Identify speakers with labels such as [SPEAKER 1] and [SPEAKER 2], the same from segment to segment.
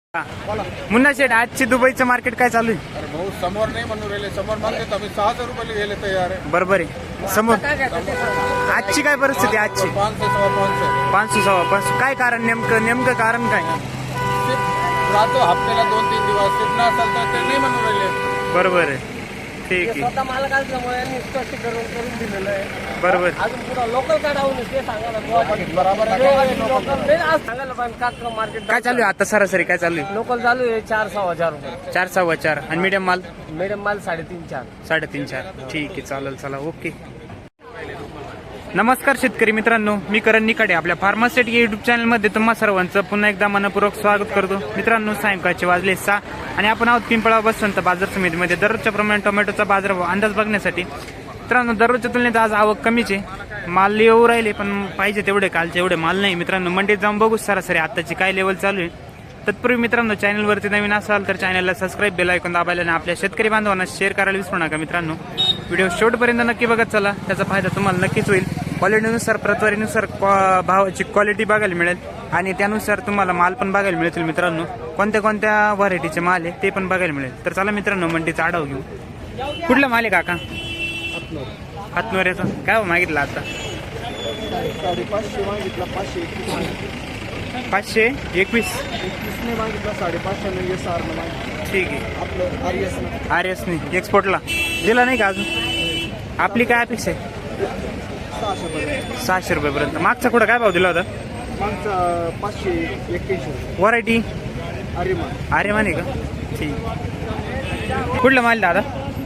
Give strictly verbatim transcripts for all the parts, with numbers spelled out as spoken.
[SPEAKER 1] मुन्ना शेठ, आजची दुबईचं मार्केट काय चालू आहे?
[SPEAKER 2] अरे भाऊ समोर नाही म्हणून राहिले, समोर मागते आम्ही सहा हजार रुपये गेले तयार आहे.
[SPEAKER 1] बरोबर आहे. समोर आजची काय परिस्थिती आहे आजची?
[SPEAKER 2] पाचशे सव्वा पाचशे
[SPEAKER 1] पाचशे सव्वा पाचशे. काय कारण नेमकं नेमकं कारण काय?
[SPEAKER 2] राहतो हप्त्याला दोन तीन दिवस सिद्ध असेल तर ते नाही म्हणून राहिले.
[SPEAKER 1] बरोबर आहे. ठीक आहे.
[SPEAKER 3] स्वतः मालक असल्यामुळे यांनी स्पष्टीकरण करून दिलेलं आहे.
[SPEAKER 1] बरोबर.
[SPEAKER 3] अजून पुढे लोकल काढावून ते सांगायला
[SPEAKER 2] बरोबर आहे.
[SPEAKER 3] लोकल नाही आज सांगायला पण का मार्केट
[SPEAKER 1] काय चालू आहे आता सरासरी काय चालू आहे?
[SPEAKER 3] लोकल चालू आहे चार सहा हजार रुपये.
[SPEAKER 1] चार सव्वा चार आणि मीडियम माल
[SPEAKER 3] मीडियम माल साडेतीन चार.
[SPEAKER 1] साडेतीन चार. ठीक आहे, चालेल. चला, ओके. नमस्कार शेतकरी मित्रांनो, मी करण निकडे आपल्या फार्मासेट या युट्यूब चॅनलमध्ये तुम्हा सर्वांचं पुन्हा एकदा मनपूर्वक स्वागत करतो. मित्रांनो, सायंकाळचे वाजले सहा आणि आपण आहोत पिंपळा बसवंत बाजार समितीमध्ये दररोजच्या प्रमाणे टोमॅटोचा बाजारभाव अंदाज बघण्यासाठी. मित्रांनो, दररोजच्या तुलनेत आज आवक कमीच आहे. माल येऊ राहिले पण पाहिजे तेवढे कालचे एवढे माल नाही. मित्रांनो, मंडीत जाऊन बघू सरासरी आताची काय लेवल चालू आहे. तत्पूर्वी मित्रांनो, चॅनलवरती नवीन असाल तर चॅनलला सबस्क्राईब, बेल आयकॉन दाबायला आणि आपल्या शेतकरी बांधवांना शेअर करायला विसरू नका. मित्रांनो, व्हिडिओ शेवटपर्यंत नक्की बघत चला, त्याचा फायदा तुम्हाला नक्कीच होईल. क्वालिटीनुसार प्रतवारीनुसार भावाची क्वालिटी बघायला मिळेल आणि त्यानुसार तुम्हाला माल पण बघायला मिळतील. मित्रांनो, कोणत्या कोणत्या व्हरायटीचे माल आहे ते पण बघायला मिळेल. तर चला मित्रांनो, मंडीचा आढावा घेऊ. कुठला माल आहे काका? हातनोऱ्याचा. काय हो मागितला आता?
[SPEAKER 2] साडेपाचशे मागितला, पाचशे एकवीस
[SPEAKER 1] पाचशे एकवीस.
[SPEAKER 2] एकवीसने मागितला, साडेपाचशे म्हणजे सारनं मागितलं.
[SPEAKER 1] ठीक आहे.
[SPEAKER 2] आपलं आर्यस
[SPEAKER 1] आर एसने एक्सपोर्टला दिला नाही का अजून? आपली काय अपेक्षा आहे?
[SPEAKER 2] सहाशे पर्यंत.
[SPEAKER 1] सहाशे रुपयेपर्यंत. मागचा कुठं काय भाव दिला होता?
[SPEAKER 2] मागचा पाचशे एक्क्याऐंशी.
[SPEAKER 1] व्हरायटी
[SPEAKER 2] अरे मा
[SPEAKER 1] अरे माने का? ठीक. कुठलं माल दादा?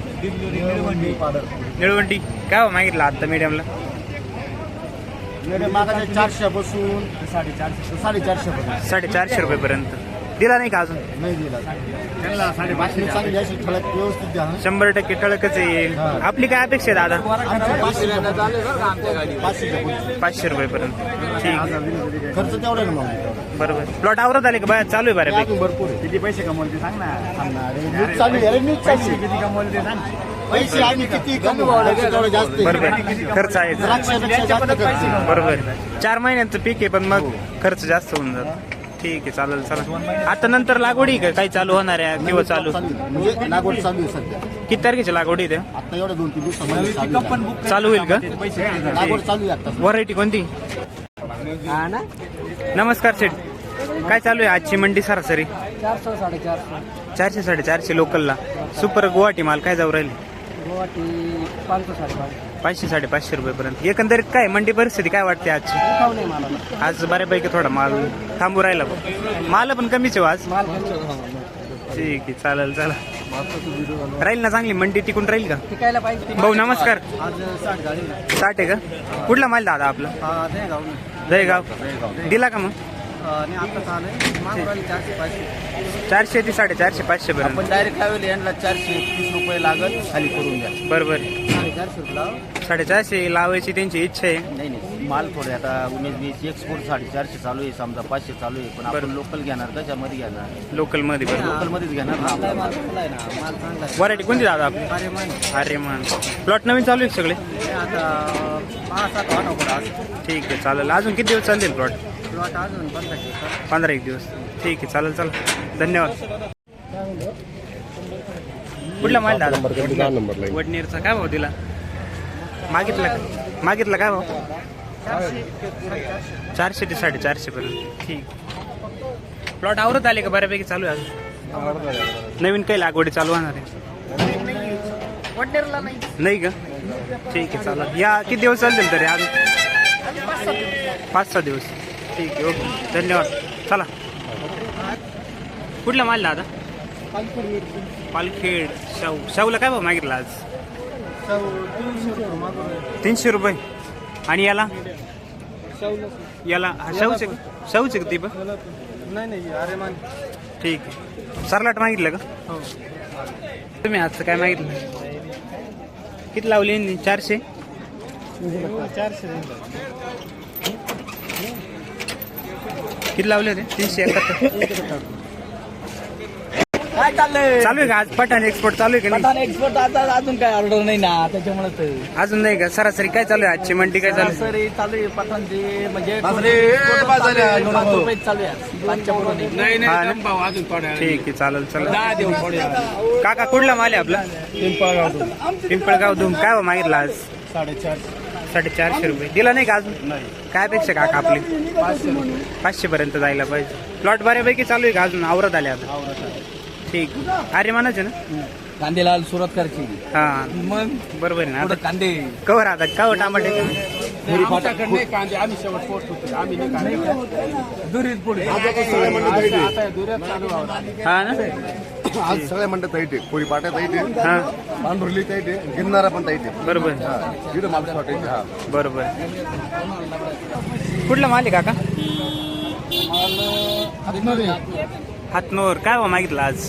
[SPEAKER 1] निळवंटी. काय भाव मागितला आता मीडियमला?
[SPEAKER 2] मागाच्या चारशे बसून साडेचारशे साडेचारशे पर्यंत.
[SPEAKER 1] साडेचारशे रुपयेपर्यंत दिला नाही का अजून?
[SPEAKER 2] नाही दिला त्यांना साडेपाचशे चांगली अशी ठळक व्यवस्थित द्या.
[SPEAKER 1] शंभर टक्के ठळकच आहे. आपली काय अपेक्षा आहे दादा? पाचशे रुपयेपर्यंत. ठीक.
[SPEAKER 2] खर्च तेवढा ना मग.
[SPEAKER 1] बरोबर. प्लॉट आवरत आले का बाया? चालू आहे बऱ्यापैकी.
[SPEAKER 2] भरपूर आहे. किती पैसे कमवले सांग ना. चालू आहे न्यूज चालू. किती कमवले ते सांग. पैसे आम्ही किती कमवले तेवढं जास्त.
[SPEAKER 1] बरोबर, खर्च आहे.
[SPEAKER 2] द्राक्षापेक्षा जास्त खर्च.
[SPEAKER 1] बरोबर. चार महिन्यांचं पीक आहे पण मग खर्च जास्त होऊन जातो. ठीक आहे, चालेल. चला, आता नंतर लागवडी का काही चालू होणार आहे किंवा चालू?
[SPEAKER 2] म्हणजे लागवड चालू आहे सध्या.
[SPEAKER 1] किती तारखेची लागवडी आहे?
[SPEAKER 2] आता एवढ्या दोन तीन दिवसामध्ये चालू
[SPEAKER 1] चालू होईल का?
[SPEAKER 2] लागवड चालू आहे आता.
[SPEAKER 1] व्हरायटी कोणती?
[SPEAKER 3] हा ना,
[SPEAKER 1] नमस्कार सेठ, काय चालू आहे आजची मंडी सरासरी?
[SPEAKER 3] चारशे साडेचारशे.
[SPEAKER 1] चारशे साडेचारशे लोकलला. सुपर गुवाहाटी माल काय जाऊ राहील?
[SPEAKER 3] गुवाहाटी पाचशे साडेपाचशे.
[SPEAKER 1] पाचशे साडेपाचशे रुपयेपर्यंत. एकंदरीत काय मंडी परिस्थिती काय वाटते आजची?
[SPEAKER 3] खाऊ नाही मला
[SPEAKER 1] आज बऱ्यापैकी थोडा माल थांबू राहिला. माल पण कमीच आहे आज.
[SPEAKER 3] माल
[SPEAKER 1] ठीक आहे, चालेल. चला, राहील ना चांगली मंडी, टिकून राहील का?
[SPEAKER 3] टिकायला पाहिजे.
[SPEAKER 1] भाऊ नमस्कार.
[SPEAKER 3] आज साठ गाडी.
[SPEAKER 1] साठ आहे का? कुठला माल दादा आपला?
[SPEAKER 3] नाही गाव
[SPEAKER 1] जयगाव. दिला का मग?
[SPEAKER 3] आणि आता चालू मागवली चारशे पाचशे.
[SPEAKER 1] चारशे ते साडेचारशे पाचशे पर्यंत.
[SPEAKER 3] आपण डायरेक्ट लावले यांना चारशे एकतीस रुपये लागत खाली करून द्या.
[SPEAKER 1] बरोबर.
[SPEAKER 3] साडेचारशे रुपये लाव.
[SPEAKER 1] साडेचारशे लावायची त्यांची इच्छा आहे.
[SPEAKER 3] नाही नाही, माल थोडे आता उन्नीस वीस एक्सपोर्ट साडेचारशे चालू आहे, समजा पाचशे चालू आहे, पण आपण लोकल घेणार कशामध्ये घेणार?
[SPEAKER 1] लोकल मध्ये. बरोबर.
[SPEAKER 3] लोकल मध्येच घेणार ना. आपला माल आहे ना, माल चांगला आहे.
[SPEAKER 1] व्हरायटी कोणती दादा आपली?
[SPEAKER 3] अरे मान
[SPEAKER 1] अरे मान. प्लॉट नवीन चालू आहे सगळे?
[SPEAKER 3] आता पाच सात वाटा आज
[SPEAKER 1] ठीक आहे, चालेल. अजून किती दिवस चालतील प्लॉट?
[SPEAKER 3] प्लॉट अजून पंधरा दिवसात.
[SPEAKER 1] पंधरा एक दिवस. ठीक आहे, चालेल. चला, धन्यवाद. कुठला माल दादा? वडनेरचा. काय भाव दिला? मागितला मागितला काय भाव? चारशे ते साडेचारशे पर्यंत. ठीक. प्लॉट आवरत आले का बऱ्यापैकी? चालू आहे अजून? नवीन काही लागवडी चालू होणार आहे?
[SPEAKER 3] वडनेरला नाही.
[SPEAKER 1] नाही का? ठीक आहे, चालेल. या किती दिवस चालतील तरी? अजून पाच सहा दिवस. ठीक आहे, ओके, धन्यवाद. चला, कुठला माल दादा? पालखेड. शाहू. शाहूला काय भाव मागितला आज? तीनशे रुपये. आणि याला याला शाहूचे शाहूचे का ती पण?
[SPEAKER 3] नाही नाही, अरे मान.
[SPEAKER 1] ठीक आहे. सरलाट मागितलं का?
[SPEAKER 3] हो.
[SPEAKER 1] तुम्ही आजचं काय मागितलं? किती लावली? चारशे.
[SPEAKER 3] चारशे
[SPEAKER 1] किती लावले होते? तीनशे एकाहत्तर.
[SPEAKER 2] काय चाललंय
[SPEAKER 1] चालू आहे का आज पठाण एक्सपोर्ट चालू आहे का नाही
[SPEAKER 2] पठाण एक्सपोर्ट आता अजून काय ऑर्डर नाही ना त्याच्यामुळे तर
[SPEAKER 1] अजून नाही का सरासरी काय चालू आहे आजची मंडी काय चालू आहे
[SPEAKER 2] सरासरी चालू आहे पठाणचे म्हणजे
[SPEAKER 3] बाजरी, ए, बाजरी,
[SPEAKER 2] चालू आहे, पाच रुपये चालू आहे पाचच्या पुढे नाही.
[SPEAKER 1] हा ना? ठीक आहे चालेल चला काका कुठला माल आहे आपला पिंपळगाव धूम काय हो मागितला आज
[SPEAKER 2] साडेचार
[SPEAKER 1] साडेचारशे रुपये दिला नाही का अजून काय अपेक्षा काका आपली पाचशे पर्यंत जायला पाहिजे प्लॉट बऱ्यापैकी चालू आहे का अजून आवरत आले आता ठीक अरे म्हणायचे ना
[SPEAKER 2] कांदेलाल सुरतकरची
[SPEAKER 1] हा
[SPEAKER 2] मग
[SPEAKER 1] बरोबर आहे ना आता
[SPEAKER 2] कांदे
[SPEAKER 1] कवर आता का हो टमाटे
[SPEAKER 2] कांदे आम्ही शेवट पोहोचतो आम्ही दुरीत पुढे
[SPEAKER 1] हा ना
[SPEAKER 4] आज सगळ्या म्हणतात ताईट आहे कोळी पाट्या ताईट आहे
[SPEAKER 1] हा
[SPEAKER 4] पांढुर्ली ताईट आहे गिरणारा पण ताईट आहे
[SPEAKER 1] बरोबर
[SPEAKER 4] तिथं माल वाटायचे हा
[SPEAKER 1] बरोबर कुठला माल आहे काका हातनोर काय हो मागितलं आज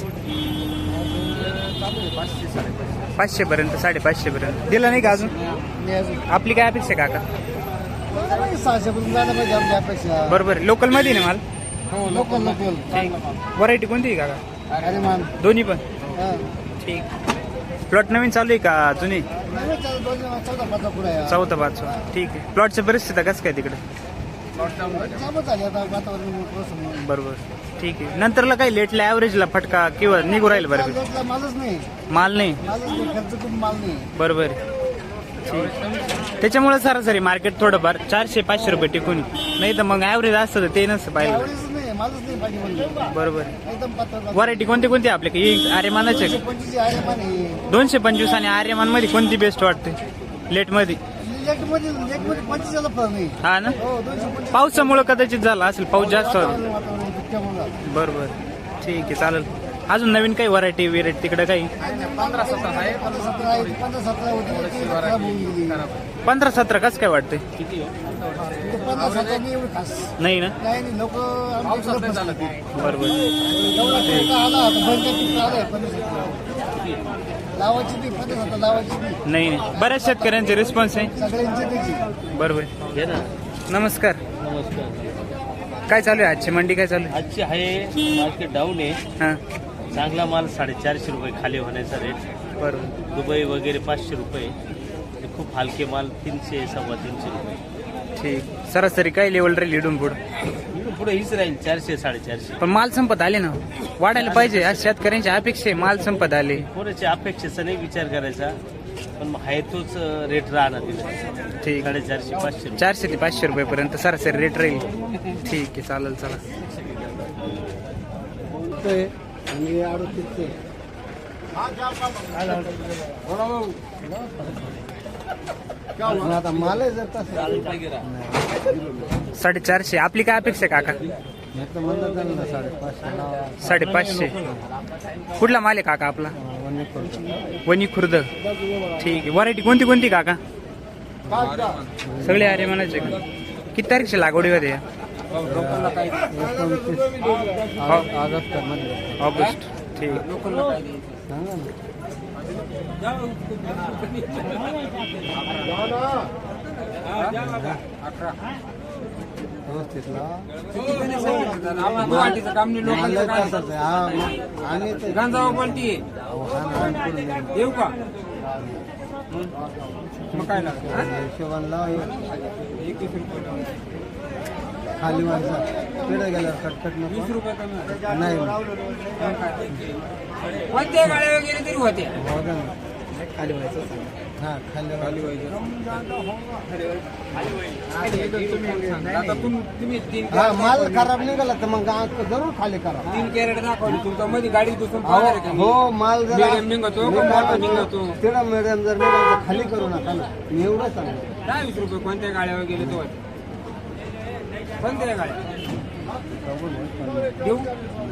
[SPEAKER 1] पाचशे पर्यंत साडेपाचशे पर्यंत दिलं नाही का अजून आपली काय अपेक्षा आहे काका
[SPEAKER 2] सहाशे पर्यंत जायला पाहिजे आमच्या अपेक्षा
[SPEAKER 1] बरोबर लोकल मध्ये ना माल
[SPEAKER 2] लोकल लोकल
[SPEAKER 1] व्हरायटी कोणती आहे काका
[SPEAKER 2] अरे मान
[SPEAKER 1] दोन्ही पण ठीक प्लॉट नवीन चालू आहे का जुनी
[SPEAKER 2] चौदा पाच पुढे
[SPEAKER 1] चौथा पाचवा ठीक आहे प्लॉटची परिस्थिती कसं काय तिकडे
[SPEAKER 2] झाले आता वातावरण
[SPEAKER 1] बरोबर ठीक आहे नंतरला काही लेटला ऍव्हरेजला फटका किंवा निघू राहील बरोबर
[SPEAKER 2] मालच नाही
[SPEAKER 1] माल नाही
[SPEAKER 2] मालच नाही खर्च खूप माल नाही
[SPEAKER 1] बरोबर ठीक त्याच्यामुळे सरासरी मार्केट थोडंफार चारशे पाचशे रुपये टिकून नाही तर मग ऍव्हरेज असतं तर ते नसतं पाहिलं
[SPEAKER 2] आवडीच नाही मालच नाही पाहिजे म्हणजे
[SPEAKER 1] बरोबर
[SPEAKER 2] एकदम पातळ
[SPEAKER 1] व्हरायटी कोणती कोणती आपल्याकडे आर्यमानाचे
[SPEAKER 2] पंचवीस आहे माने
[SPEAKER 1] दोनशे पंचवीस आणि आर्यमान मध्ये कोणती बेस्ट वाटते लेट मध्ये
[SPEAKER 2] लेट मध्ये लेट मध्ये पंचवीसला फरक नाही
[SPEAKER 1] हा ना
[SPEAKER 2] हो दोनशे पंचवीस
[SPEAKER 1] पावसामुळे कदाचित झाला असेल पाऊस जास्त होता
[SPEAKER 2] वातावरण दुःखामुळं.
[SPEAKER 1] बरोबर ठीक आहे चालेल अजून नवीन काही व्हरायटी विरायटी तिकडे काही
[SPEAKER 2] पंधरा सतरा आहे पंधरा सतरा आहे पंधरा सतरा होती ती खराब होऊन गेली.
[SPEAKER 1] पंधरा सतरा कसं काय वाटते
[SPEAKER 2] ते पंधरा सतरा नाही एवढी खास
[SPEAKER 1] नाही ना
[SPEAKER 2] नाही नाही लोक
[SPEAKER 1] बरोबर
[SPEAKER 2] आला बंद पिकं आलंय पंधरा सतरा लावायची ती पंधरा सतरा लावायची ती
[SPEAKER 1] नाही नाही बऱ्याच शेतकऱ्यांचे रिस्पॉन्स आहे
[SPEAKER 2] सगळ्यांची त्याची
[SPEAKER 1] बरोबर नमस्कार काय चालू आहे आजची मंडी काय चालू आहे
[SPEAKER 3] आजची आहे मार्केट डाऊन आहे
[SPEAKER 1] हा
[SPEAKER 3] चांगला माल साडेचारशे रुपये खाली होण्याचा रेट
[SPEAKER 1] बरोबर
[SPEAKER 3] दुबई वगैरे पाचशे रुपये आणि खूप हलके माल तीनशे सव्वा तीनशे रुपये
[SPEAKER 1] ठीक सरासरी काय लेवल राहील इडून पुढं
[SPEAKER 3] इकडून पुढे हीच राहील चारशे साडेचारशे
[SPEAKER 1] पण माल संपत आले ना वाढायला पाहिजे आज शेतकऱ्यांची अपेक्षा आहे माल संपत आले
[SPEAKER 3] कोणाच्या अपेक्षेचा नाही विचार करायचा पण मग आहे तोच रेट राहणार तिथे
[SPEAKER 1] ठीक
[SPEAKER 3] साडेचारशे पाचशे रुपये
[SPEAKER 1] चारशे ते पाचशे रुपयेपर्यंत सरासरी रेट राहील ठीक आहे चालेल चला
[SPEAKER 2] आणि अडतीस आता माल आहे जर तसं
[SPEAKER 1] साडेचारशे आपली काय अपेक्षा आहे काका
[SPEAKER 2] साडेपाचशे
[SPEAKER 1] साडेपाचशे कुठला माल आहे काका आपला वनी खुर्द ठीक आहे व्हरायटी कोणती कोणती काका सगळे अरे म्हणायचे का किती तारीखची लागवडी होते या? ऑगस्ट ठीक
[SPEAKER 5] येऊ का मग काय
[SPEAKER 2] हिशोबाला एकवीस रुपये खाली वाजता तिकडे गेल्यावर कटकट
[SPEAKER 5] वीस रुपये कमी
[SPEAKER 2] नाही
[SPEAKER 5] कोणत्या गाड्या वगैरे तरी होते
[SPEAKER 2] खाली व्हायचं हा खाली खाली
[SPEAKER 5] आता तुम तुम्ही तीन
[SPEAKER 2] हा माल खराब निघाला तर मग जरूर खाली करा
[SPEAKER 5] तीन कॅरेट दाखवली तुमच्या मध्ये गाडी दुसून
[SPEAKER 2] हो माल जर
[SPEAKER 5] Medium निघतो का मोठा निघतो?
[SPEAKER 2] तेवढा मिडियम जर निघाला तर खाली करू नका ना मी एवढं सांगतो
[SPEAKER 5] दहा वीस रुपये कोणत्या गाड्या वगैरे तो होते कोणत्या गाड्या देऊ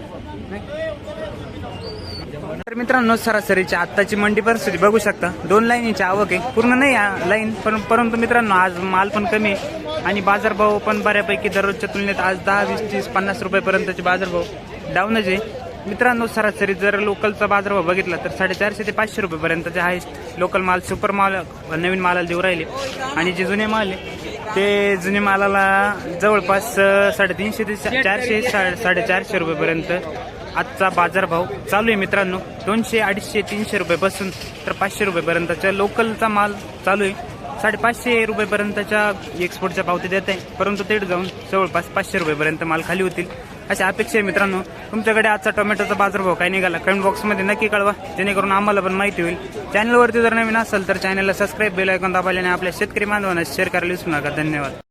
[SPEAKER 1] तर मित्रांनो सरासरीची आत्ताची मंडी परिस्थिती बघू शकता दोन लाईनीची आवक आहे पूर्ण नाही लाईन पण परंतु मित्रांनो आज माल पण कमी आहे आणि बाजारभाव पण बऱ्यापैकी दररोजच्या तुलनेत आज दहा वीस तीस पन्नास रुपयेपर्यंतचे बाजारभाव डाऊनच आहे मित्रांनो सरासरी जर लोकलचा बाजारभाव बघितला तर साडेचारशे ते पाचशे रुपयेपर्यंतचे हायस्ट लोकल माल सुपर माल नवीन मालाला देऊ राहिले आणि जे जुने माल आहे ते जुने मालाला जवळपास साडेतीनशे ते चारशे साडेचारशे रुपयेपर्यंत आजचा बाजारभाव चालू आहे मित्रांनो. दोनशे अडीचशे तीनशे रुपयापासून तर पाचशे रुपयेपर्यंतच्या लोकलचा माल चालू आहे. साडेपाचशे रुपयेपर्यंतच्या एक्सपोर्टच्या पावती देत आहे, परंतु तेच जाऊन जवळपास पाचशे रुपयेपर्यंत माल खाली होतील अशी अपेक्षा आहे मित्रांनो. तुमच्याकडे आजचा टोमॅटोचा बाजारभाव काय निघाला कमेंट बॉक्समध्ये नक्की कळवा, जेणेकरून आम्हाला पण माहिती होईल. चॅनलवरती जर नवीन असेल तर चॅनलला सबस्क्राईब, बेल आयकॉन दाबायला आणि आपल्या शेतकरी बांधवांना शेअर करायला विसरू नका. धन्यवाद.